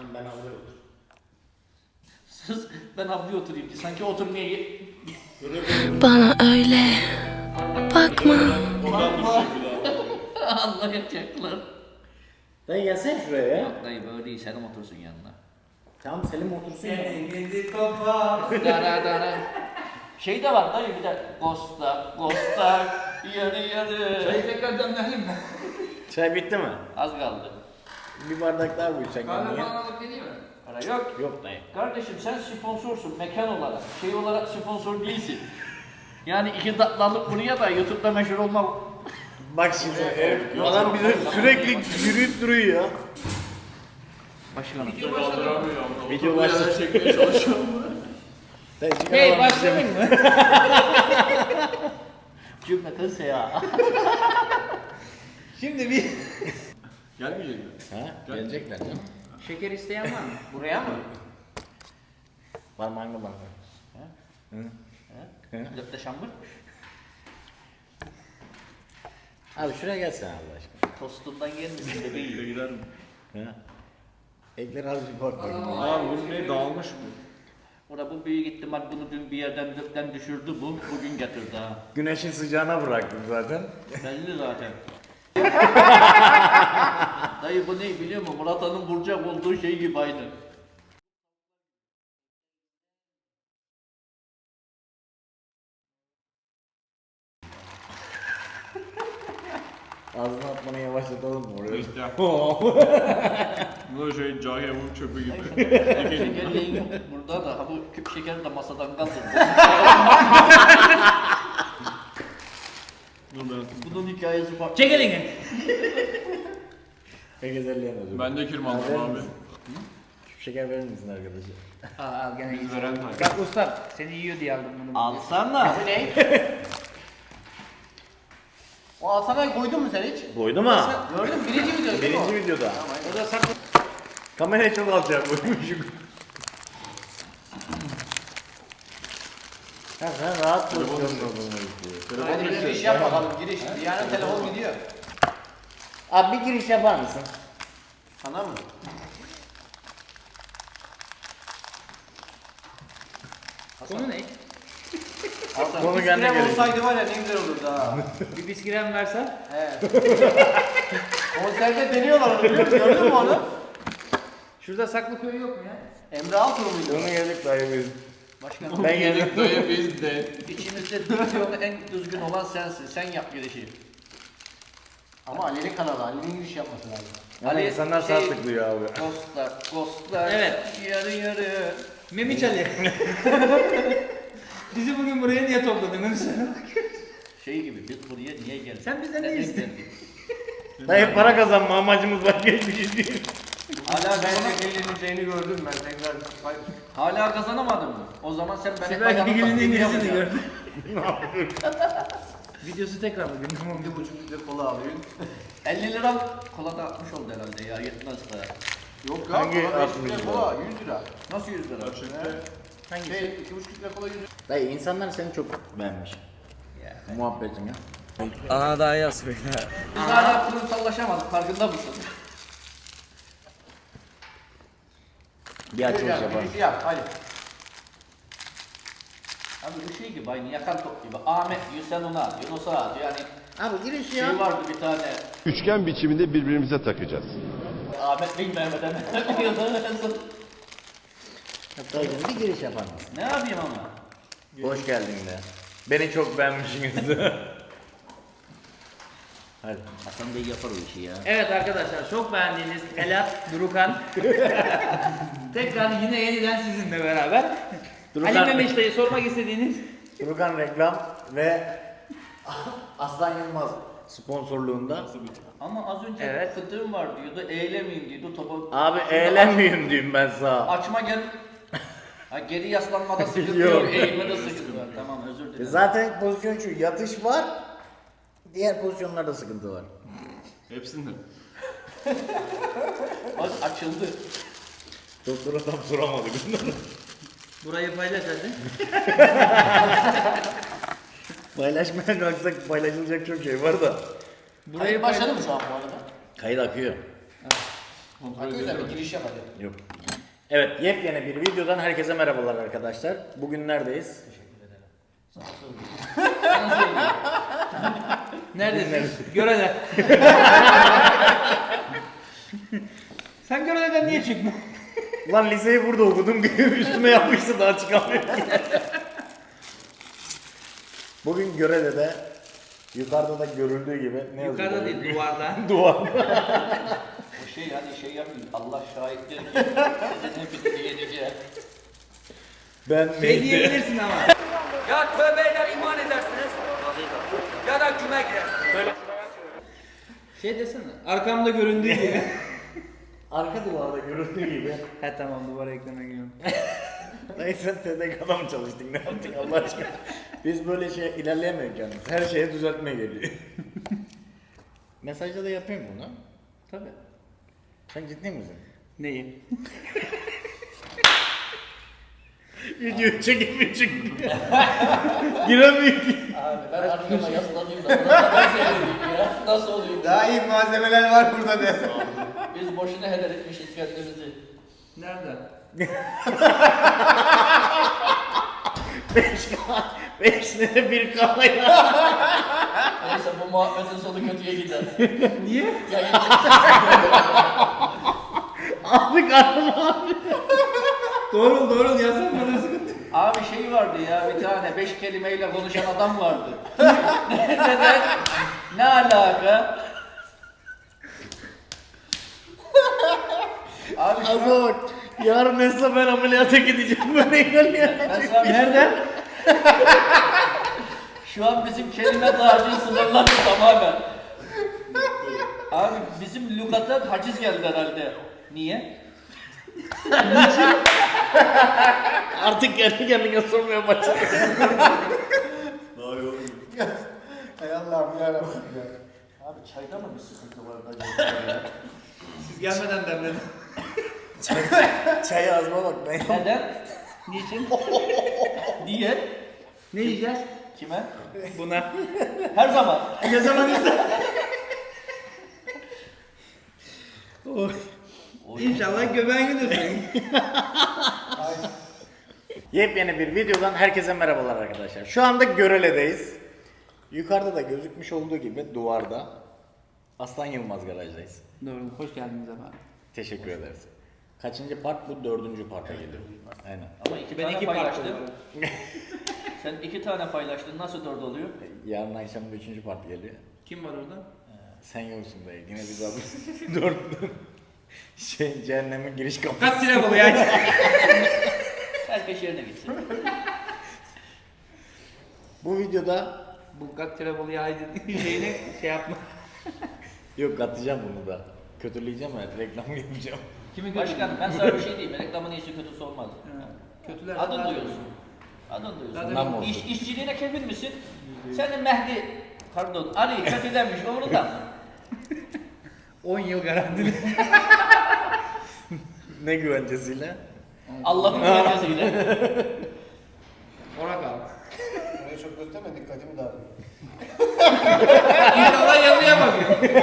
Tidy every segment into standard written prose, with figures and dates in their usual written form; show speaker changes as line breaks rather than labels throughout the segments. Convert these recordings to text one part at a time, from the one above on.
ben avluya otur.
Sus, ben avluya oturayım ki sanki oturmaya
Bana öyle bakma.
anlayacaklar.
Dayı gelsene şuraya ya.
Yok dayı böyle değil, Selim otursun yanına.
Tamam Selim otursun ya.
Gidi kafa.
Dara dara. Şey de var dayı bir de Ghost'ta yarı.
Çayı tekrar demleyelim mi?
Çay bitti mi?
Az kaldı.
Bir bardak daha koyacak
Kahve
yani.
falan alıp geleyim mi?
Para yok.
Yok dayı.
Kardeşim sen sponsorsun mekan olarak. Şey olarak sponsor değilsin. Yani iki tatlı alıp buraya da YouTube'da meşhur olma.
Bak şimdi adam bize sürekli yürüyüp duruyor ya.
Başkanım.
Video başladı.
Çekmeye çalışıyorum.
Dayı çıkar
Hey
adam
başlamayın mı? Cümleten seya.
Şimdi bir... Gelmeyecek mi?
Ha? Gelecekler canım.
Şeker isteyen var mı? Buraya mı?
Parmağına bak.
Löpte şambır.
Abi şuraya gelsene Allah aşkına.
Tostundan gelmesin bebeğim.
Gider mi?
Ha? Ekler az bir bak bakayım.
Abi bu ne dağılmış bu?
Ora bu büyük ihtimal bunu dün bir yerden döpten düşürdü bu. Bugün getirdi ha.
Güneşin sıcağına bıraktım zaten.
Belli zaten. Dayı bu ne biliyor musun? Murat Han'ın Burcak olduğu şey gibi aynı.
Ağzına atmanı yavaşlatalım mı oraya?
İşte. Bu da şey Cahil'in çöpü gibi.
Şekerliğin burada da ha bu küp şeker de masadan kaldırdı.
Dur ben.
Bunun hikayesi farklı.
Çek elini.
Herkeselleyen özür.
Ben de kirmandım abi.
Küçük şeker verir misin arkadaşa?
Al gene
Biz veren tayfa.
Bak ustam seni yiyor diye aldım bunu.
Alsana.
Bu ne? O alsanayı koydun mu sen hiç?
Koydu mu?
Gördün mü? Birinci video değil mi o?
Birinci videoda.
O da saklı.
Kamerayı çok alacak koymuşum. Ya sen rahat pozisyonda olmanı istiyor.
Hadi bir giriş yap bakalım giriş. Yani telefon gidiyor.
Abi bir giriş yapar mısın?
Sana mı?
Konu ne?
Hasan,
Konu
bir
kendi
krem
gelecek.
olsaydı var ya ne güzel olurdu ha.
Bir bisküven versen.
He. Konserde deniyorlar onu biliyor musun? Gördün mü onu?
Şurada saklı köy yok mu ya?
Emre Altuğ muydu?
Onu yedik dayı biz.
Başkanım.
Ben yedim.
Dayı biz de.
İçimizde diksiyonu en düzgün olan sensin. Sen yap girişi.
Ama Ali'nin kanalı. Ali'nin giriş yapması lazım.
Ama
Ali,
insanlar
şey-
sağ tıklıyor abi.
Ghostlar.
Evet.
Yarı yarı.
Memiç Ali. Bizi bugün buraya niye topladın onu söyle.
Şey gibi biz buraya niye geldik?
Sen bizden ne
Neden
istedin?
geldik?
Dayı para kazanma amacımız başka hiçbir şey değil.
Hala bence eğleneceğini gördüm ben tekrar.
Hala kazanamadın mı? O zaman sen beni
Sibel
bayanın
Bilgin'in
taklidini
İngilizcesini
yapacaksın.
gördüm. Videosu tekrar bugün. Tamam.
1,5 litre kola alıyorsun.
50 lira kola da atmış oldu herhalde ya yetmez daha.
Yok ya.
Hangi
kola 5
60
litre
lira?
kola 100 lira.
Nasıl 100 lira?
Hangisi?
Şey 2,5 litre kola 100 lira.
Dayı insanlar seni çok beğenmiş. Muhabbetin ya.
Biz hala kurumsallaşamadık farkında mısın?
Bir açılış yapalım.
Girişi yap hadi.
Abi ışığı gibi aynı yakan top gibi. Ahmet diyor sen ona at, Yunus'a at yani.
Abi giriş
Şey
ya.
vardı bir tane.
Üçgen biçiminde birbirimize takacağız.
Ahmet Bey Mehmet'e
Dayıcım bir giriş yapar mısın?
Ne yapayım ama?
Hoş geldin de. Beni çok beğenmişsiniz. Hadi.
Hasan Bey yapar o işi ya.
Evet arkadaşlar çok beğendiğiniz Elat Durukan tekrar yine yeniden sizinle beraber.
Durukan-
Ali Memiş dayı sormak istediğiniz
Turukan Reklam ve Aslan Yılmaz sponsorluğunda.
Ama az önce
Evet.
fıtığım var diyordu, eğlemeyeyim diyordu topu.
Abi
Şimdi
eğlenmeyeyim diyeyim ben sana.
Açma gel. Ha, geri yaslanmada sıkıntı
Yok.
yok, eğilmede sıkıntı var. Tamam özür dilerim.
Zaten pozisyon şu, yatış var. Diğer pozisyonlarda sıkıntı var.
Hepsinde.
Bak açıldı.
Doktora tam soramadık.
burayı paylaş hadi.
Paylaşmaya kalksak paylaşılacak çok şey var da.
Burayı
Hayır
paylaş.
başladı mı şu an bu arada?
Kayıt akıyor.
Güzel bir giriş yap hadi.
Yok. Evet, yepyeni bir videodan herkese merhabalar arkadaşlar. Bugün neredeyiz?
Neredesin?
Görele.
Sen Görele'den niye çıktın?
Lan liseyi burada okudum, üstüme yapmıştı daha çıkamıyorum. Bugün Görele'de, yukarıda da görüldüğü gibi ne yazıyor?
Yukarıda değil, duvarda.
Duvar.
O şey hani şey yapıyor. Allah şahittir ki sizin hepinizi yeneceğim.
Ben
Şey diyebilirsin ama.
Ya tövbeyle iman edersiniz ya da küme girersiniz.
Şey desene. Arkamda göründüğü gibi.
Arka duvarda görüldüğü gibi.
He tamam, duvara ekleme giriyorum.
Neyse TDK'da mı çalıştık, ne yaptık Allah aşkına. Biz böyle şey ilerleyemiyoruz yalnız. Her şeye düzeltme geliyor. Mesajda da yapayım bunu.
Tabii.
Sen ciddi misin?
Neyi?
Video çekimi çıktı. Giremiyor ki.
Abi ben arkama yaslanayım da buna ben söyleyeyim ya. Nasıl oluyor?
Daha iyi malzemeler var burada de.
Biz boşuna heder etmişiz kendimizi. Nerede?
5 lira bir kahvaya.
Neyse bu muhabbetin sonu kötüye gider.
Niye?
Yayın
Abi karnım abi.
Doğru yazsam bana sıkıntı. Abi şey vardı ya bir tane 5 kelimeyle konuşan adam vardı. Neden? Ne alaka? Abi şu
Abi bak. Yarın mesela ben ameliyata gideceğim böyle ilerleyen.
Nereden? Şu an bizim kelime dağarcığı sınırlandı tamamen. Abi bizim lügata haciz geldi herhalde. Niye?
Artık kendi kendine sormaya başladı.
Hay Allah'ım yarabbim ya.
Abi çayda mı bir sıkıntı var acaba?
Siz gelmeden demledim. Çayı azma bak ben.
Neden? Niçin? Niye?
Ne yiyeceğiz?
Kime?
Buna.
Her zaman.
Ne zaman ister?
İnşallah göbeğin gidiyorsun.
Yepyeni bir videodan herkese merhabalar arkadaşlar. Şu anda Görele'deyiz. Yukarıda da gözükmüş olduğu gibi duvarda Aslan Yılmaz garajdayız.
Doğru, hoş geldiniz efendim.
Teşekkür ederiz. Kaçıncı part? Bu 4. parta geliyor. Aynen.
Ama ben iki paylaştım. Sen 2 tane paylaştın, nasıl 4 oluyor?
Yarın akşam 3. part geliyor.
Kim var orada?
Sen yoksun dayı. Yine biz abi 4. Cehennemin giriş kapısı.
Kaç lira bu ya? Herkes yerine gitsin.
Bu videoda
Bu Gat Trebolu'ya haydi şeyine şey yapma.
yok atacağım bunu da. Kötüleyeceğim ya, reklam yapacağım.
Kimi Başkanım ben sana bir şey diyeyim. Reklamın iyisi kötüsü olmaz. Kötüler adın duyuyorsun. Adın duyuyorsun.
Bundan mı olsun?
İşçiliğine kefil misin? Senin Mehdi, pardon Ali kötülenmiş umurunda mı? 10 yıl garantili.
Ne güvencesiyle?
Allah'ın güvencesiyle.
Ona kal.
Burayı çok gösterme dikkatimi dağılıyor.
İnşallah yazıya bakıyor.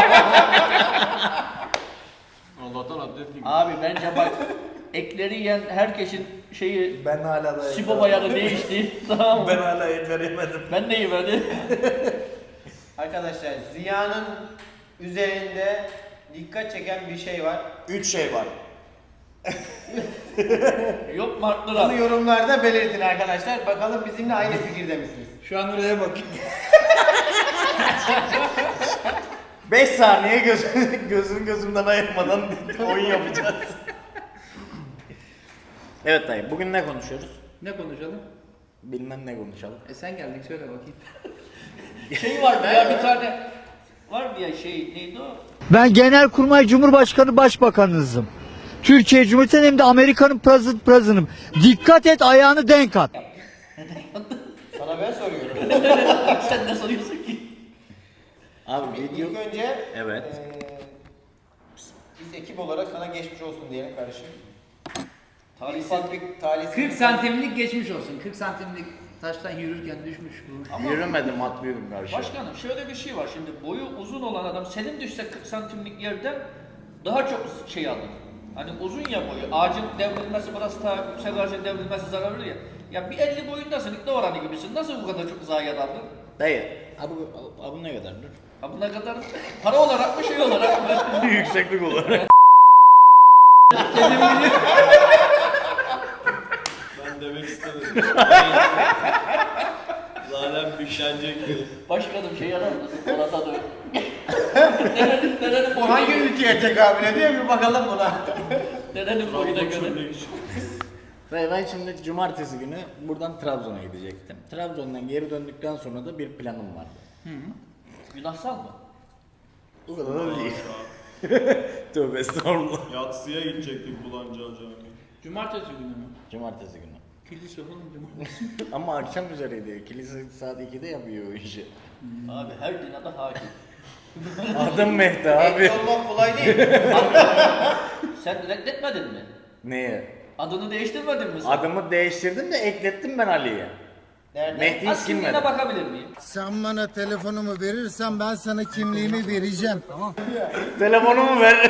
Allah'tan abdest gibi.
Abi bence bak ekleri yiyen herkesin şeyi
Ben hala da
Sibo bayağı değişti. Tamam mı?
Ben hala el veremedim.
Ben de yemedim.
Arkadaşlar Ziya'nın üzerinde dikkat çeken bir şey var. 3 şey var.
Yok mu arttıran?
Bunu yorumlarda belirtin arkadaşlar. Bakalım bizimle aynı fikirde misiniz?
Şu an oraya bakayım. 5 saniye gözümden ayırmadan oyun yapacağız. Evet dayı, bugün ne konuşuyoruz?
Ne konuşalım?
Bilmem ne konuşalım.
Sen geldik söyle bakayım. Şey vardı ya bir tane vardı ya şey neydi o?
Ben Genelkurmay Cumhurbaşkanı Başbakanınızım. Türkiye Cumhuriyeti'nin hem de Amerika'nın president'ım. Dikkat et, ayağını denk at.
Sana ben soruyorum.
Sen ne soruyorsun ki?
Abi video...
İlk önce
Evet.
biz ekip olarak sana geçmiş olsun diyelim kardeşim.
Talihsiz.
Ufak bir talihsiz.
40 santimlik geçmiş olsun. 40 santimlik taştan yürürken düşmüş bu.
Yürümedim, atlıyordum karşıya.
Başkanım şöyle bir şey var şimdi boyu uzun olan adam senin düşse 40 santimlik yerden daha çok şey alır. Hani uzun ya boyu, ağacın devrilmesi burası ta yüksek ağacın devrilmesi zararlı ya. Ya bir 50 boyundasın, ikna oranı gibisin. Nasıl bu kadar çok zayiat aldın?
Dayı, abi ne kadardır?
Ha buna kadar para olarak mı şey olarak mı?
Yükseklik olarak.
Ben demek istemedim. Zaten güçlenecekti.
Başkanım şey yarar mısın? Orada da. Nerenin
Bu hangi ülkeye tekabül ediyor bir bakalım buna.
Nerenin boyuna göre.
Ve ben şimdi cumartesi günü buradan Trabzon'a gidecektim. Trabzon'dan geri döndükten sonra da bir planım vardı.
Günahsal mı?
O kadar da değil. Tövbe estağfurullah.
Yatsıya gidecektik Bulanca Cami.
Cumartesi günü mü?
Cumartesi günü.
Kilise oğlum cumartesi.
Ama akşam üzereydi. Kilise saat 2'de yapıyor o işi.
Abi her dina da hakim.
Adım Mehdi abi.
Ekli olmak kolay değil.
Sen reddetmedin mi?
Neye?
Adını değiştirmedin mi sen?
Adımı değiştirdim de eklettim ben Ali'ye.
Nerede?
Mehdi
Az
iskim
kimliğine
verdim.
bakabilir miyim?
Sen bana telefonumu verirsen ben sana kimliğimi vereceğim. Tamam.
Telefonumu ver.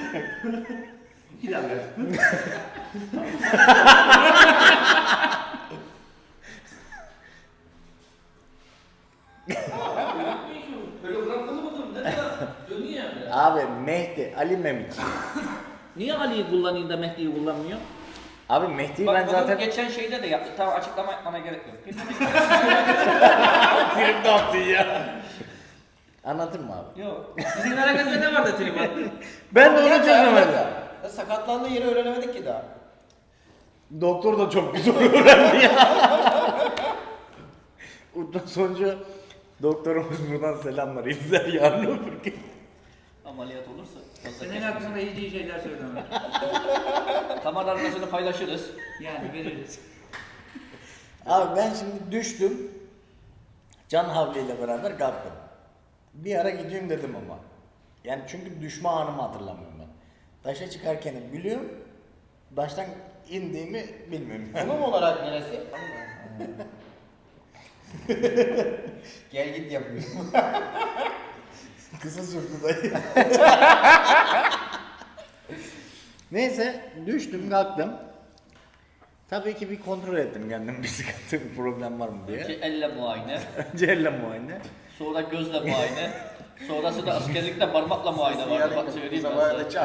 Hologramlı mıdır? Ne kadar? Dönüyor yani.
Abi Mehdi, Ali Memiç.
Niye Ali'yi kullanayım da Mehdi'yi kullanmıyor?
Abi Mehdi'yi
Bak
ben
bunu
zaten...
geçen şeyde de yaptık. Tamam açıklama yapmana gerek yok.
Trip de attın ya. Anlatır mı abi?
Yok. Sizin hareketinde ne vardı Trimat?
Ben de onu çözemedim.
Sakatlandığı yeri öğrenemedik ki daha.
Doktor da çok güzel öğrendi ya. Ondan sonra doktorumuz buradan selamlar. İzler yarın öbür gün.
Ameliyat olursa.
Senin hakkında hiç iyi şeyler söyleme.
Kamera arkasını paylaşırız.
Yani veririz.
Abi ben şimdi düştüm. Can havliyle beraber kalktım. Bir ara gideyim dedim ama. Yani çünkü düşme anımı hatırlamıyorum ben. Taşa çıkarken biliyorum. Taştan indiğimi bilmiyorum.
Konum olarak neresi? Gel git yapıyor.
Kısa sürdü dayı. Neyse düştüm kalktım. Tabii ki bir kontrol ettim kendim bir sıkıntı bir problem var mı diye.
Önce elle muayene,
Önce elle muayene.
sonra gözle muayene, sonrası da askerlikte parmakla muayene vardı. Bak söyleyeyim ben sana.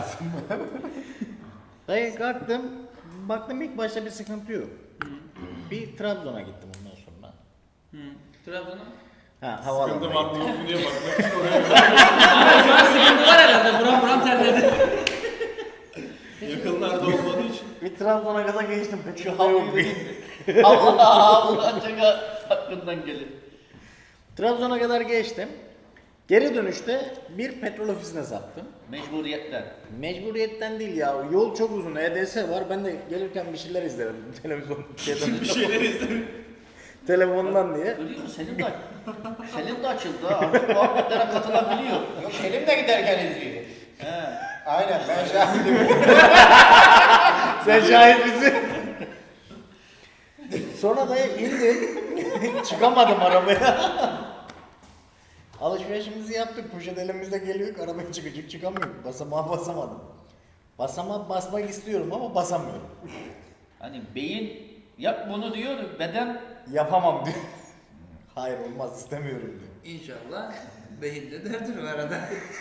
Dayı kalktım. Baktım ilk başta bir sıkıntı yok. Bir Trabzon'a gittim ondan sonra.
Trabzon'a?
Ha
Sıkıntı
havaalanına
var mı
gittim.
yok mu diye bakmak için oraya
Şu an sıkıntı var herhalde. Buram terledi.
yakınlarda olmadığı için.
Bir Trabzon'a kadar geçtim. Peki
Şu
yok
havluyu
bir.
vereyim mi? Allah ancak hakkından gelir.
Trabzon'a kadar geçtim. Geri dönüşte bir petrol ofisine saptım.
Mecburiyetten.
Mecburiyetten değil ya. Yol çok uzun. EDS var. Ben de gelirken bir şeyler izlerim. Televizyon
Bir şeyler izledim.
telefondan diye.
Görüyor musun? Selim de açıldı ha. Artık muhabbetlere katılabiliyor.
Yok Selim de giderken izliyor.
He.
Aynen ben şahidim.
Sen şahit misin? Sonra da indim. Çıkamadım arabaya. Alışverişimizi yaptık. Poşet elimizde geliyor. Arabaya çıkamıyorum. Basamağa basamadım. Basamağa basmak istiyorum ama basamıyorum.
Hani beyin yap bunu diyor, beden
Yapamam diyor. Hayır olmaz istemiyorum diyor.
İnşallah beyinde derdir bu arada.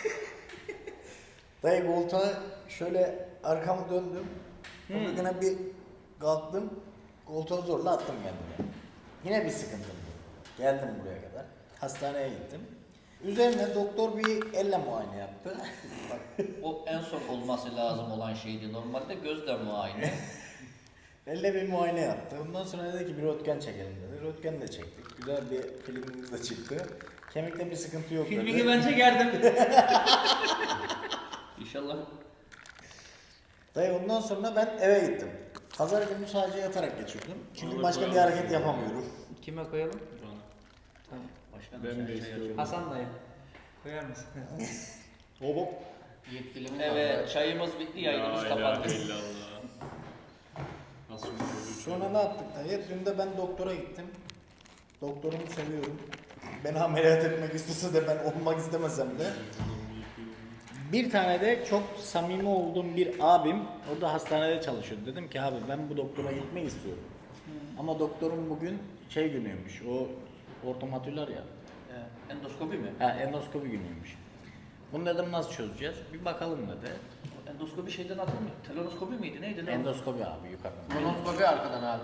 Dayı koltuğa şöyle arkamı döndüm. Yine bir kalktım. Koltuğa zorla attım kendimi. Yine bir sıkıntım yok. Geldim buraya kadar. Hastaneye gittim. Üzerine doktor bir elle muayene yaptı.
o en son olması lazım olan şeydi. Normalde gözle muayene.
Elle bir muayene yaptı. Ondan sonra dedi ki bir röntgen çekelim dedi. Röntgen de çektik. Güzel bir filmimiz de çıktı. Kemikte bir sıkıntı yok dedi.
Filmi ben çekerdim.
İnşallah.
Dayı ondan sonra ben eve gittim. Pazar günü sadece yatarak geçirdim. Çünkü başka bir hareket yapamıyorum.
Kime koyalım?
Başkanım
Ben
sen
de
şey
istiyorum.
açın.
Hasan dayı. Koyar mısın?
Hop.
Yetkilimiz evet, çayımız bitti, yayınımız
La
kapandı.
ilahe illallah. Nasıl bir çocuk?
Sonra ne yaptık dayı? Dün de ben doktora gittim. Doktorumu seviyorum. Beni ameliyat etmek istese de ben olmak istemesem de Bir tane de çok samimi olduğum bir abim, o da hastanede çalışıyor. Dedim ki abi ben bu doktora gitmek istiyorum. Ama doktorun bugün şey günüymüş, o ortomatüler ya.
Endoskopi mi?
Ha, endoskopi günüymüş. Bunu dedim nasıl çözeceğiz? Bir bakalım dedi.
Endoskopi şeyden atılmıyor. Telonoskopi miydi? Neydi?
Endoskopi abi yukarıdan.
Kolonoskopi arkadan abi.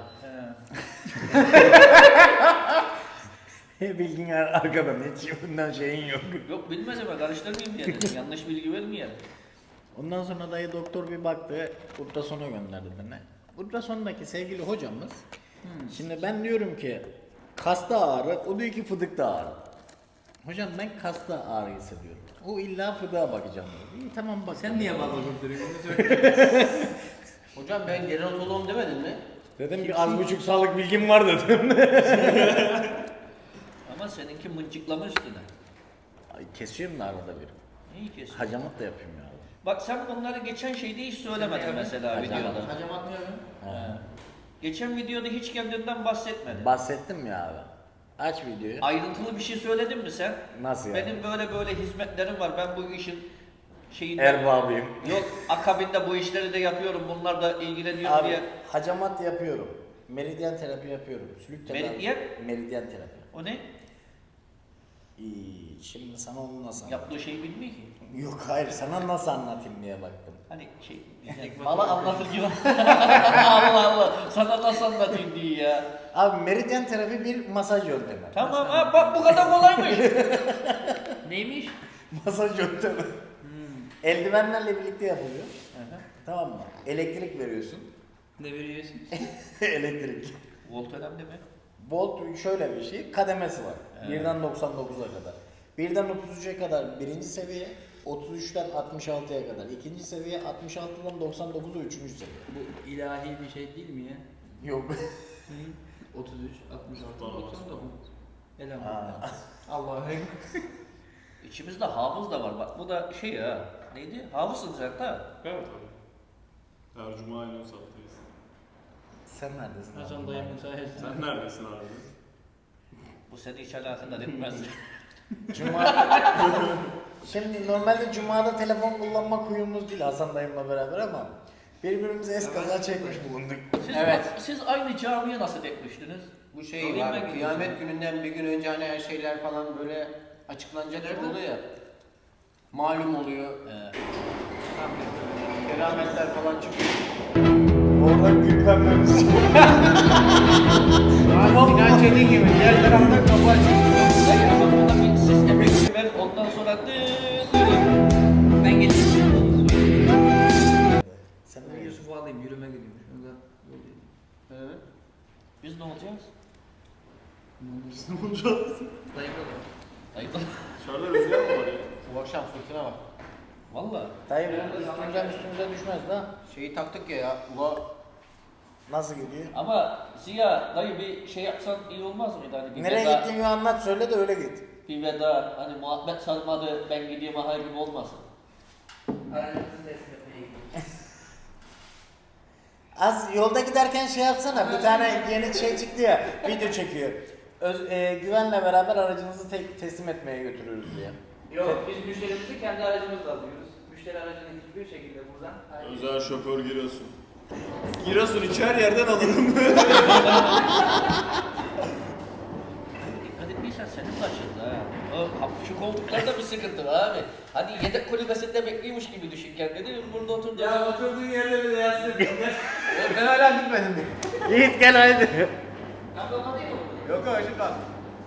Bilgin arkadan hiç bundan şeyin yok.
Yok bilmez ama karıştırmayayım diye dedim. Yanlış bilgi vermeyelim.
Ondan sonra dayı doktor bir baktı, ultrasona gönderdi beni. Ultrasondaki sevgili hocamız, şimdi ben diyorum ki kasta ağrı, o diyor ki fıdıkta ağrı. Hocam ben kasta ağrı hissediyorum. O illa fıdığa bakacağım diyor. İyi tamam bak.
Sen niye bana durduruyorsun?
Hocam ben gerontoloğum demedin mi?
Dedim ki az buçuk sağlık bilgim var dedim.
Ama seninki mıncıklama üstüne.
Ay, kesiyorum da arada bir.
İyi kesin.
Hacamat da yapıyorum ya.
Bak sen bunları geçen şeyde hiç söylemedin mesela videoda.
Hocam atmıyorum.
Geçen videoda hiç kendinden bahsetmedin.
Bahsettim ya abi. Aç videoyu.
Ayrıntılı bir şey söyledin mi sen?
Nasıl yani?
Benim böyle hizmetlerim var. Ben bu işin şeyinde...
Erbabıyım.
Yok akabinde bu işleri de yapıyorum. Bunlar da ilgileniyorum
Abi
diye.
hacamat yapıyorum. Meridyen terapi yapıyorum. Sülük tedavi.
Meridyen?
Meridyen terapi.
O ne?
İyi, şimdi sana onu nasıl anlatayım?
Yaptığı şeyi bilmiyor ki.
Yok hayır, sana nasıl anlatayım diye baktım.
Hani şey, bana anlatır gibi. Allah Allah, sana nasıl anlatayım diye ya.
Abi meridyen terapi bir masaj yöntemi.
Tamam ha, bak bu kadar kolaymış. Neymiş?
Masaj yöntemi. Eldivenlerle birlikte yapılıyor. Tamam mı? Elektrik veriyorsun.
Ne veriyorsun?
Elektrik.
Volt önemli mi?
Volt şöyle bir şey, kademesi var. 1'den 99'a kadar. 1'den 33'e kadar birinci seviye, 33'ten 66'ya kadar ikinci seviye, 66'dan 99'a üçüncü seviye.
Bu ilahi bir şey değil mi ya?
Yok.
33, 66, 99.
Aa.
Elhamdülillah. Allah'a
İçimizde hafız da var. Bak bu da şey ya. Neydi? Hafızsın sen da.
Evet abi. Her cuma aynı saatteyiz.
Sen neredesin?
Hasan dayımın sayesinde.
Sen neredesin abi?
Bu seni hiç alakadar etmez.
Cuma. Şimdi normalde Cuma'da telefon kullanmak huyumuz değil Hasan dayımla beraber ama birbirimize eskaza çekmiş bulunduk.
Siz aynı camiye nasıl ekmiştiniz?
Bu şey var, kıyamet gününden bir gün önce hani her şeyler falan böyle açıklanacak gibi oluyor ya. Malum oluyor. Kerametler falan çıkıyor.
Oradan gülmememiz.
Sinan Çetin gibi diğer tarafta kapı açık.
Hayır ama burada bir siz emekli ver ondan sonra ben geleceğim.
Sen
Ben Yusuf'u alayım, yürüme gidiyorum. Şurada yol yedim.
Evet.
Biz ne olacağız?
Biz ne olacağız?
Dayımda da.
Hayır.
Dışarıda rüzgar mı var ya?
Bu akşam fırtına var.
Valla.
dayı bunun üstümüze düşmez da.
Şeyi taktık ya. Ula
Nasıl gidiyor?
Ama Ziya dayı bir şey yapsan iyi olmaz mıydı? Hani bir
Nereye
veda,
gittiğini anlat söyle de öyle git.
bir veda hani muhabbet sarmadı ben gideyim aha gibi olmasın.
Aranızın teslim etmeye gidiyorum.
Az yolda giderken şey yapsana, bir tane yeni şey çıktı ya, video çekiyor. Güvenle beraber aracınızı teslim etmeye götürüyoruz diye.
Yok, biz müşterimizi kendi aracımızla alıyoruz. Müşteri aracını hiçbir şekilde buradan.
Özel şoför Giresun. Giresun içer yerden alırım.
Dikkat etmeysen senin de açıldı ha. Şu koltuklarda bir sıkıntı var abi. Hani yedek kulübesinde bekliyormuş gibi düşün kendini. Burada oturdu.
Ya oturduğun yerde bile yatsın.
ben hala gitmedim.
Yiğit gel haydi.
Yok yok ışık kalsın.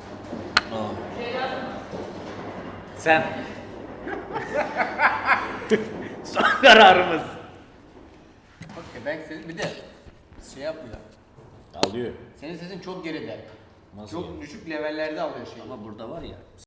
Sen. Son kararımız.
Okey ben senin bir de şey yapmıyor.
Alıyor.
Senin sesin çok geride.
Nasıl
Çok düşük levellerde alıyor şeyi.
Ama burada var ya.